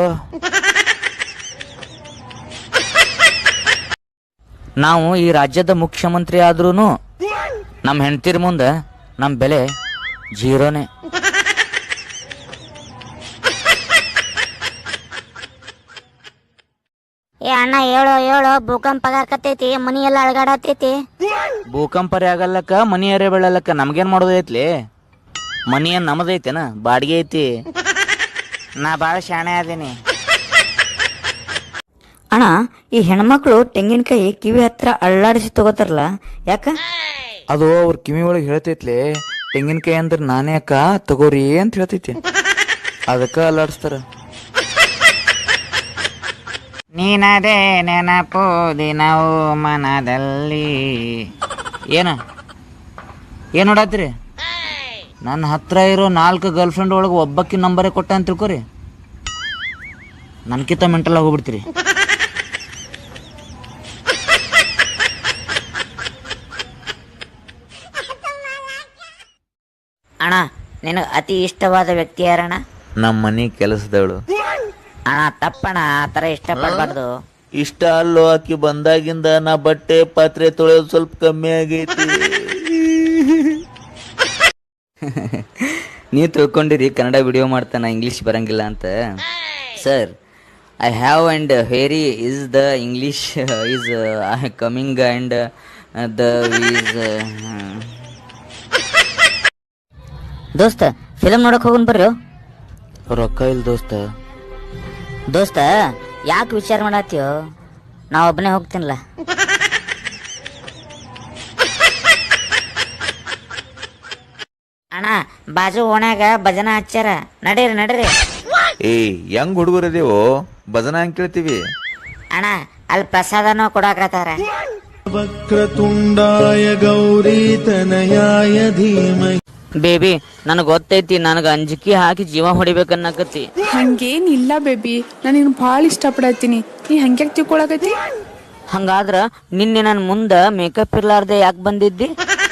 S2: ನಾವು ಈ ರಾಜ್ಯದ ಮುಖ್ಯಮಂತ್ರಿ ಆದ್ರೂನು ನಮ್ಮ ಹೆಂಡತಿರ ಮುಂದೆ ನಮ್ಮ ಬೆಲೆ ಜೀರೋನೇ.
S3: ಏ ಅಣ್ಣ ಹೇಳೋ ಹೇಳೋ, ಭೂಕಂಪ ಆಗಾಕತ್ತೈತಿ, ಮನಿ ಎಲ್ಲ ಅಳಗಾಡತೈತಿ.
S2: ಭೂಕಂಪರಿ ಆಗಲ್ಲಕ್ಕ, ಮನಿ ಅರೆ ಬೆಳಲ್ಲಕ್ಕ, ನಮ್ಗೇನ್ ಮಾಡೋದೈತ್ಲಿ? ಮನಿ ಏನ್ ನಮ್ಮದೈತೇನ, ಬಾಡಿಗೆ ಐತಿ. ನಾ ಭಾಳ ಶಾಣೆ ಅದೀನಿ.
S1: ಅಣ್ಣ, ಈ ಹೆಣ್ಮಕ್ಳು ತೆಂಗಿನಕಾಯಿ ಕಿವಿ ಹತ್ರ ಅಳ್ಳಾಡಿಸಿ ತಗೋತಾರಲ್ಲ, ಯಾಕ?
S2: ಅದು ಅವ್ರ ಕಿವಿ ಒಳಗೆ ಹೇಳ್ತೈತ್ಲಿ, ತೆಂಗಿನಕಾಯಿ ಅಂದ್ರೆ ನಾನೇ ಅಕ್ಕ ತಗೋರಿ ಅಂತ ಹೇಳ್ತೈತಿ, ಅದಕ್ಕ ಅಲ್ಲಾಡಿಸ್ತಾರ. ನೀನದೇ ನೆನಪು ದಿನವೂ ಮನದಲ್ಲಿ. ಏನ ಏನ್ ನೋಡತ್ರಿ? ನನ್ನ ಹತ್ರ ಇರೋ ನಾಲ್ಕು ಗರ್ಲ್ ಫ್ರೆಂಡ್ ಒಳಗೆ ಒಬ್ಬಕ್ಕಿ ನಂಬರೇ ಕೊಟ್ಟ ಅಂತ ತಿಳ್ಕೊರಿ, ನನ್ಕಿಂತ ಮೆಂಟಲ್ ಆಗೋಗ್ಬಿಡ್ತೀರಿ.
S3: ಅಣ್ಣ ನಿನಗೆ ಅತಿ ಇಷ್ಟವಾದ ವ್ಯಕ್ತಿ ಯಾರಣ್ಣ?
S2: ನಮ್ಮ ಮನೆ ಕೆಲಸದವಳು.
S3: ಅಣ್ಣ ತಪ್ಪಣ್ಣ, ಆ ಥರ ಇಷ್ಟಪಡಬಾರ್ದು.
S6: ಇಷ್ಟ ಅಲ್ಲೋ, ಆಕಿ ಬಂದಾಗಿಂದ ನಾ ಬಟ್ಟೆ ಪಾತ್ರೆ ತೊಳೆಯೋದು ಸ್ವಲ್ಪ ಕಮ್ಮಿ ಆಗೈತಿ.
S1: ನೀವು ತಿಳ್ಕೊಂಡಿರಿ ಕನ್ನಡ ವಿಡಿಯೋ ಮಾಡ್ತಾನ ಇಂಗ್ಲೀಷ್ ಬರಂಗಿಲ್ಲ ಅಂತ. Sir, I have and very is the English is coming and the is.
S3: ದೋಸ್ತ ಫಿಲಮ್ ನೋಡಕ್ ಹೋಗೋಣ ಬರ್ರಿ.
S2: ರೊಕ್ಕ ಇಲ್ಲ ದೋಸ್ತ.
S3: ದೋಸ್ತ ಯಾಕೆ ವಿಚಾರ ಮಾಡತ್ತೀಯೋ, ನಾ ಒಬ್ಬನೇ ಹೋಗ್ತೀನಲ್ಲ. ಅಣ್ಣ ಬಾಜು ಓಣ್ಯಾಗ ಭಜನ ಹಚ್ಚಾರ, ನಡೀರಿ ನಡೀರಿ.
S7: ಏ ಹೆಂಗ್ ಹುಡುಗರದೇವೋ ಭಜನ ಹಂಗ್ ಕೇಳ್ತೀವಿ.
S3: ಅಣ್ಣ ಅಲ್ಲಿ ಪ್ರಸಾದನೂ ಕೊಡಾಕತ್ತಾರ.
S9: ವಕ್ರತುಂಡಾಯ ಗೌರಿ ತನಯಾಯ ಧೀಮಹಿ.
S1: ಬೇಬಿ, ನನಗೆ ಗೊತ್ತೈತಿ, ನನಗೆ ಅಂಜಿಕೆ ಹಾಕಿ ಜೀವ ಹೊಡಿಬೇಕನ್ನಕತ್ತಿ.
S5: ಹಂಗೇನಿಲ್ಲ ಬೇಬಿ, ನಾನು ನಿನ್ ಭಾಳ ಇಷ್ಟಪಡತ್ತೀನಿ. ನೀ ಹಂಗ್ಯಾಕ್ ತಿಳ್ಕೊಳಕತ್ತಿ?
S1: ಹಂಗಾದ್ರ ನಿನ್ನೆ ನನ್ನ ಮುಂದೆ ಮೇಕಪ್ ಇರ್ಲಾರ್ದೆ ಯಾಕೆ ಬಂದಿದ್ದಿ?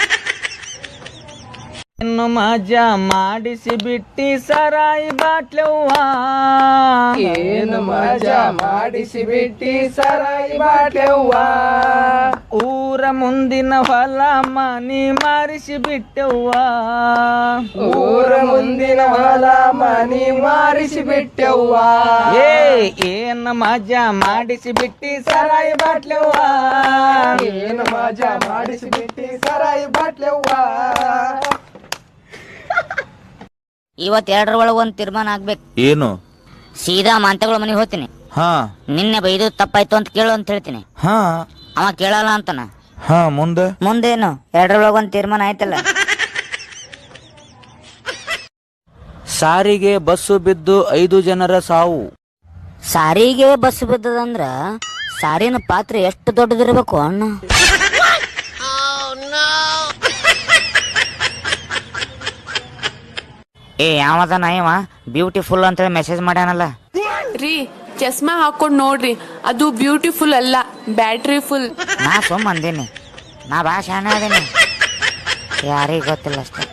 S2: ಇನ್ನು ಮಜಾ ಮಾಡಿಸಿ ಬಿಟ್ಟಿ ಸರಾಯಿ ಬಾಟ್ಲವ್ವ.
S9: ಏನು ಮಜಾ ಮಾಡಿಸಿ ಬಿಟ್ಟಿ ಸರಾಯಿ ಬಾಟ್ಲವ್ವ.
S2: ಊರ ಮುಂದಿನ ಹೊಲ ಮನಿ ಮಾರಿಸಿ ಬಿಟ್ಟವ್ವ.
S9: ಊರ ಮುಂದಿನ ಹೊಲ ಮನಿ ಮಾರಿಸಿ ಬಿಟ್ಟವ್ವ.
S2: ಏ ಏನ್ ಮಜಾ ಮಾಡಿಸಿ ಬಿಟ್ಟಿ ಸರಾಯಿ ಬಾಟ್ಲವ್ವ.
S9: ಏನು ಮಜಾ ಮಾಡಿಸಿ ಬಿಟ್ಟಿ ಸರಾಯಿ ಬಾಟ್ಲವ್ವ.
S3: ಇವತ್ ಎರಡರ ಒಳಗೆ ಒಂದ್ ತೀರ್ಮಾನ ಆಗ್ಬೇಕು.
S7: ಏನು?
S3: ಸೀದಾ ಮಾಂತಗಳ ಮನೆಗೆ ಹೋಗ್ತೀನಿ.
S7: ಹಾ
S3: ನಿನ್ನೆ ಬೈದು ತಪ್ಪಾಯ್ತು ಅಂತ ಕೇಳು ಅಂತ ಹೇಳ್ತೀನಿ.
S7: ಹಾ
S3: ಅವ ಕೇಳಲ್ಲ ಅಂತಾನ.
S7: ಹಾ ಮುಂದೆ
S3: ಮುಂದೇನು ಎರಡರೊಳಗೆ ಒಂದ್ ತೀರ್ಮಾನ ಆಯ್ತಲ್ಲ.
S2: ಸಾರಿಗೆ ಬಸ್ಸು ಬಿದ್ದು ಐದು ಜನರ ಸಾವು.
S3: ಸಾರಿಗೆ ಬಸ್ ಬಿದ್ದದಂದ್ರ ಸಾರಿನ ಪಾತ್ರೆ ಎಷ್ಟು ದೊಡ್ಡದಿರ್ಬೇಕು ಅಣ್ಣ. ಏ ಯಾವದ ನಾಯವ ಬ್ಯೂಟಿಫುಲ್ ಅಂತೇಳಿ ಮೆಸೇಜ್ ಮಾಡ್ಯಾನಲ್ಲ.
S5: ರೀ ಚಸ್ಮಾ ಹಾಕೊಂಡ್ ನೋಡ್ರಿ, ಅದು ಬ್ಯೂಟಿಫುಲ್ ಅಲ್ಲ, ಬ್ಯಾಟ್ರಿ ಫುಲ್.
S3: ನಾ ಸುಮ್ಮ ಅಂದೇನಿ, ನಾ ಬಾ ಶಾಣೆ ಅದೇನಿ, ಯಾರಿಗ ಗೊತ್ತಿಲ್ಲ ಅಷ್ಟೇ.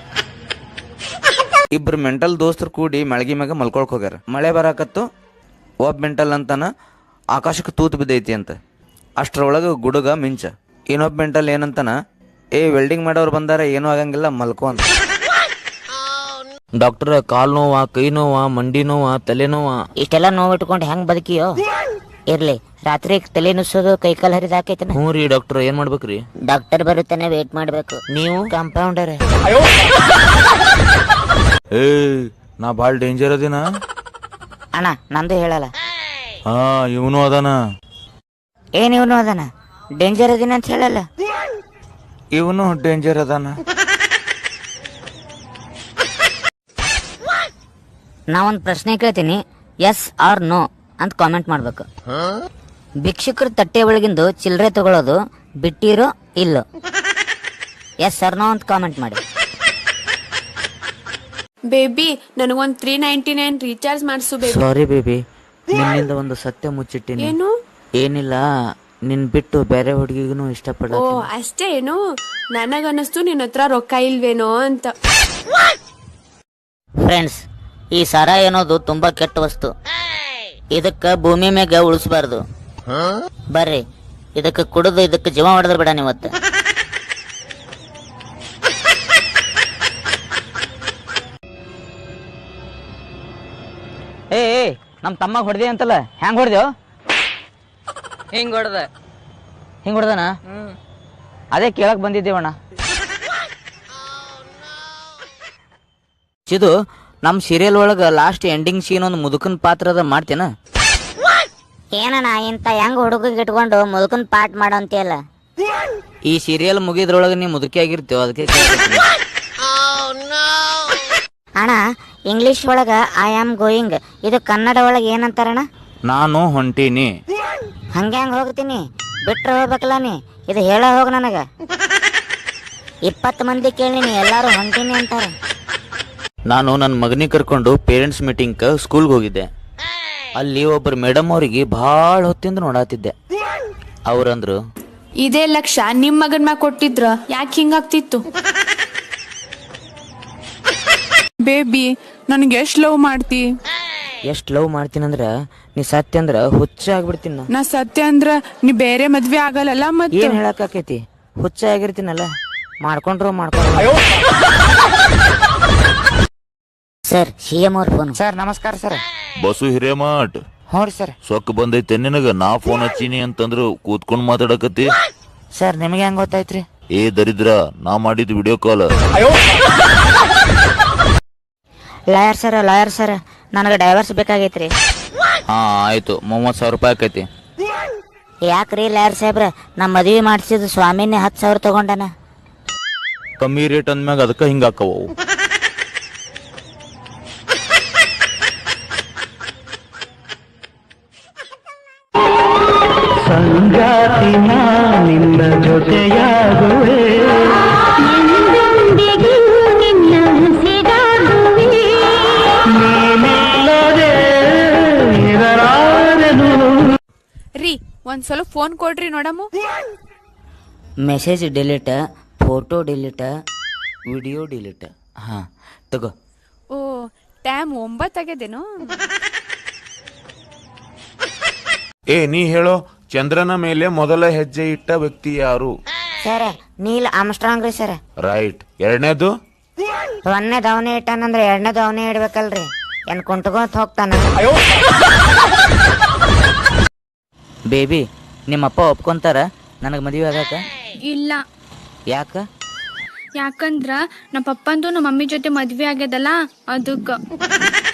S2: ಇಬ್ರು ಮೆಂಟಲ್ ದೋಸ್ತರು ಕೂಡಿ ಮಳಗಿ ಮ್ಯಾಗ ಮಲ್ಕೊಳಕ್ ಹೋಗ್ಯಾರ. ಮಳೆ ಬರಾಕತ್ತು. ಒಬ್ಬ ಮೆಂಟಲ್ ಅಂತಾನ ಆಕಾಶಕ್ಕೆ ತೂತು ಬಿದ್ದೈತಿ ಅಂತ. ಅಷ್ಟ್ರೊಳಗೆ ಗುಡುಗ ಮಿಂಚ. ಇನ್ನೊಬ್ಬ ಮೆಂಟಲ್ ಏನಂತಾನ, ಏ ವೆಲ್ಡಿಂಗ್ ಮಾಡೋರು ಬಂದಾರ, ಏನೂ ಆಗಂಗಿಲ್ಲ ಮಲ್ಕೋ ಅಂತ. ಡಾಕ್ಟರ್, ಕಾಲ್ ನೋವ, ಕೈ ನೋವ, ಮಂಡಿ ನೋವ, ತಲೆ ನೋವ.
S3: ಇಷ್ಟೆಲ್ಲ ನೋವು ಇಟ್ಕೊಂಡು ಹೆಂಗ್ ಬದುಕಿಯೋ? ಇರ್ಲಿ, ರಾತ್ರಿ ತಲೆ ನುಸ್ಸೋದು ಕೈ ಕಾಲು ಹರಿದ ಹಾಕೈತನ.
S2: ಹ್ಞೂ ರೀ ಡಾಕ್ಟರ್, ಏನ್ ಮಾಡ್ಬೇಕ್ರಿ?
S3: ಡಾಕ್ಟರ್ ಬರುತ್ತಾನೆ ವೇಟ್ ಮಾಡ್ಬೇಕು.
S2: ನೀವು
S3: ಕಂಪೌಂಡರ್.
S7: ಏ ನಾ ಭಾಳ ಡೇಂಜರ್ ಅದಿನ.
S3: ಅಣ್ಣ ನಂದು ಹೇಳಲ್ಲ.
S7: ಹಾ ಇವನು ಅದಾನ.
S3: ಏನ್ ಇವನು ಅದಾನ? ಡೇಂಜರ್ ಅದಿನ ಅಂತ ಹೇಳಲ್ಲ.
S7: ಇವನು ಡೇಂಜರ್ ಅದಾನ.
S3: ನಾ ಒಂದ್ ಪ್ರಶ್ನೆ ಕೇಳ್ತೀನಿ, ಎಸ್ ಆರ್ ನೋ ಅಂತ ಕಾಮೆಂಟ್ ಮಾಡ್ಬೇಕು. ಭಿಕ್ಷುಕರ ತಟ್ಟೆ ಒಳಗಿಂದು ಚಿಲ್ಲರೆ ತಗೊಳ್ಳೋದು ಬಿಟ್ಟಿರೋ ಇಲ್ಲೋ? ಎಸ್ ಆರ್ ನೋ ಅಂತ ಕಾಮೆಂಟ್ ಮಾಡಿ.
S5: ಬೇಬಿ ನನಗೊಂದ್ ತ್ರೀ ನೈಂಟಿ ನೈನ್ ರೀಚಾರ್ಜ್ ಮಾಡಿಸು ಬೇಬಿ.
S2: ಸಾರಿ ಬೇಬಿ, ನಿನ್ನಿಂದ ಒಂದು ಸತ್ಯ ಮುಚ್ಚಿಟ್ಟಿನಿ.
S5: ಏನು?
S2: ಏನಿಲ್ಲ, ನಿನ್ ಬಿಟ್ಟು ಬೇರೆ ಹುಡುಗಿಗೂ ಇಷ್ಟಪಡ.
S5: ಓ ಅಷ್ಟೇ ಏನು? ನನಗನ್ನಿಸ್ತು ನಿನ್ನ ಹತ್ರ ರೊಕ್ಕ ಇಲ್ವೇನೋ ಅಂತ.
S3: ಫ್ರೆಂಡ್ಸ್, ಈ ಸಾರಾಯಿ ಅನ್ನೋದು ತುಂಬಾ ಕೆಟ್ಟ ವಸ್ತು. ಇದಕ್ಕ ಭೂಮಿ ಮ್ಯಾಗ ಉಳಿಸಬಾರ್ದು. ಬರ್ರಿ ಇದಕ್ಕೆ ಕುಡಿದು ಇದಕ್ಕೆ ಜೀವ ಹೊಡೆದ್ರೆ ಬಿಡ ನೀವತ್ತು.
S1: ಏ ಏ ನಮ್ಮ ತಮ್ಮ ಹೊಡೆದೆ ಅಂತಲ್ಲ, ಹೆಂಗ್ ಹೊಡೆದೇವ್?
S4: ಹಿಂಗ್ ಹೊಡೆದ.
S1: ಹಿಂಗ್ ಹೊಡೆದನ? ಅದೇ ಕೇಳಕ್ ಬಂದಿದ್ದೇವಣ್ಣ. ಚಿದು, ನಮ್ಮ ಸೀರಿಯಲ್ ಒಳಗ ಲಾಸ್ಟ್ ಎಂಡಿಂಗ್ ಸೀನ್ ಒಂದು ಮುದುಕನ್ ಪಾತ್ರದ ಮಾಡ್ತೇನ?
S3: ಏನಣ್ಣ ಇಂತ ಹೆಂಗ್ ಹುಡುಗಿಗೆ ಇಟ್ಕೊಂಡು ಮುದುಕನ್ ಪಾಠ ಮಾಡೋ ಅಂತೀಯಲ್ಲ?
S1: ಈ ಸೀರಿಯಲ್ ಮುಗಿದ್ರೊಳಗ ನೀ ಮುದುಕಿ ಆಗಿರ್ತೇವ, ಅದಕ್ಕೆ ಕೇಳ್ತೀನಿ.
S3: ಅಣ್ಣ ಇಂಗ್ಲಿಷ್ ಒಳಗ ಐ ಆಮ್ ಗೋಯಿಂಗ್, ಇದು ಕನ್ನಡ ಒಳಗ ಏನಂತಾರಣ್ಣ?
S7: ನಾನು ಹೊಂಟೀನಿ.
S3: ಹಂಗೆ ಹಂಗೆ ಹೋಗ್ತೀನಿ ಬಿಟ್ರೆ ಹೋಗ್ಬೇಕಲ್ಲ ನೀ ಇದು ಹೇಳ ಹೋಗ ನನಗ ಇಪ್ಪತ್ತು ಮಂದಿ ಕೇಳಿನಿ ಎಲ್ಲಾರು ಹೊಂಟೀನಿ ಅಂತಾರೆ.
S2: ನಾನು ನನ್ನ ಮಗನಿಗೆ ಕರ್ಕೊಂಡು ಪೇರೆಂಟ್ಸ್ ಮೀಟಿಂಗ್ ಸ್ಕೂಲ್ಗೆ ಹೋಗಿದ್ದೆ. ಅಲ್ಲಿ ಒಬ್ಬರು ಮೇಡಮ್ ಅವರಿಗೆ ಭಾಳ ಹೊತ್ತಿಂದ ನೋಡಾತಿದ್ದೆ. ಅವ್ರಂದ್ರು,
S5: ಇದೇ ಲಕ್ಷ ನಿಮ್ ಮಗನ್ ಮ್ಯಾಗ ಕೊಟ್ಟಿದ್ರ ಯಾಕೆ ಹಿಂಗಾಗ್ತಿತ್ತು? ಬೇಬಿ ನನ್ಗೆ ಎಷ್ಟ್ ಲವ್ ಮಾಡ್ತಿ?
S2: ಎಷ್ಟು ಲವ್ ಮಾಡ್ತೀನಂದ್ರ ನೀ ಸತ್ಯ ಅಂದ್ರ ಹುಚ್ಚ ಆಗ್ಬಿಡ್ತೀನಿ ನಾ.
S5: ನಾ ಸತ್ಯ ಅಂದ್ರ ನೀ ಬೇರೆ ಮದ್ವೆ ಆಗಲ್ಲ ಮತ್ತೆ.
S2: ಏನ್ ಹೇಳಕ್ಕಾಕೈತಿ? ಹುಚ್ಚ ಆಗಿರ್ತೀನಲ್ಲ, ಮಾಡ್ಕೊಂಡ್ರು ಮಾಡ್ಕೊಂಡ್ರು.
S3: ಸರ್ ಸಿ ಎಂ ಅವ್ರ ಫೋನ್.
S2: ಸರ್ ನಮಸ್ಕಾರ ಸರ್.
S6: ಬಸು ಹಿರೇಮಠ್
S2: ಹ್ಞೂ ರೀ ಸರ್.
S6: ಸೊಕ್ಕ ಬಂದೈತೆ ನಿನಗ ನಾ ಫೋನ್ ಹಚ್ಚೀನಿ ಅಂತಂದ್ರು ಕೂತ್ಕೊಂಡ್ ಮಾತಾಡಕತ್ತಿ.
S2: ಸರ್ ನಿಮಗೆ ಹೆಂಗ್ ಗೊತ್ತಾಯ್ತ್ರಿ?
S6: ಏ ದರಿದ್ರ, ನಾ ಮಾಡಿದ್ video call.
S3: Lawyer sir lawyer sir ನನಗೆ ಡೈವರ್ಸ್ ಬೇಕಾಗೈತ್ರಿ.
S2: ಹಾ ಆಯ್ತು, ಮೂವತ್ತು ಸಾವಿರ ರೂಪಾಯಿ ಆಕೈತಿ.
S3: ಯಾಕ್ರಿ ಲಾಯರ್ ಸಾಹೇಬ್ರ ನಮ್ಮ ಮದುವೆ ಮಾಡಿಸಿದ ಸ್ವಾಮಿನೇ ಹತ್ತು ಸಾವಿರ ತಗೊಂಡನ.
S2: ಕಮ್ಮಿ ರೇಟ್ ಅಂದ್ಮ್ಯಾಗ ಅದಕ್ಕೆ ಹಿಂಗ ಹಾಕವು.
S9: ಸಂಗಾತಿ ನಿನ್ನ ಜೊತೆಯಾಗುವೆ
S5: ರೀ ಒಂದ್ಸಲ ಫೋನ್ ಕೊಡ್ರಿ ನೋಡಮ್ಮ.
S1: Message delete, photo delete,
S2: video delete. ಹಾ ತಗೋ.
S5: ಓ ಟೈಮ್ ಒಂಬತ್ತಾಗ್ಯದೇನು?
S7: ಏ ನೀ ಹೇಳೋ, ಚಂದ್ರನ ಮೇಲೆ ಮೊದಲ ಹೆಜ್ಜೆ ಇಟ್ಟ ವ್ಯಕ್ತಿ ಯಾರು?
S3: ಸರ್ ನೀಲ್ ಆಮ್ಸ್ಟ್ರಾಂಗ್ ರೀ ಸರ್.
S7: ರೈಟ್. ಎರಡನೇದು?
S3: ಒಂದನೇ ದವನೆ ಇಟ್ಟಾನಂದ್ರೆ ಎರಡನೇ ದವನೆ ಇಡ್ಬೇಕಲ್ರಿ, ಏನ್ ಕುಂಟ್ಕೊಂತ ಹೋಗ್ತಾನ.
S1: ಬೇಬಿ ನಿಮ್ಮಪ್ಪ ಒಪ್ಕೊಂತಾರ ನನಗೆ ಮದುವೆ ಆಗಾಕ?
S10: ಇಲ್ಲ.
S1: ಯಾಕ?
S10: ಯಾಕಂದ್ರ ನಮ್ಮ ಪಪ್ಪಂದು ನಮ್ಮ ಮಮ್ಮಿ ಜೊತೆ ಮದ್ವೆ ಆಗ್ಯದಲ್ಲ ಅದಕ್ಕ.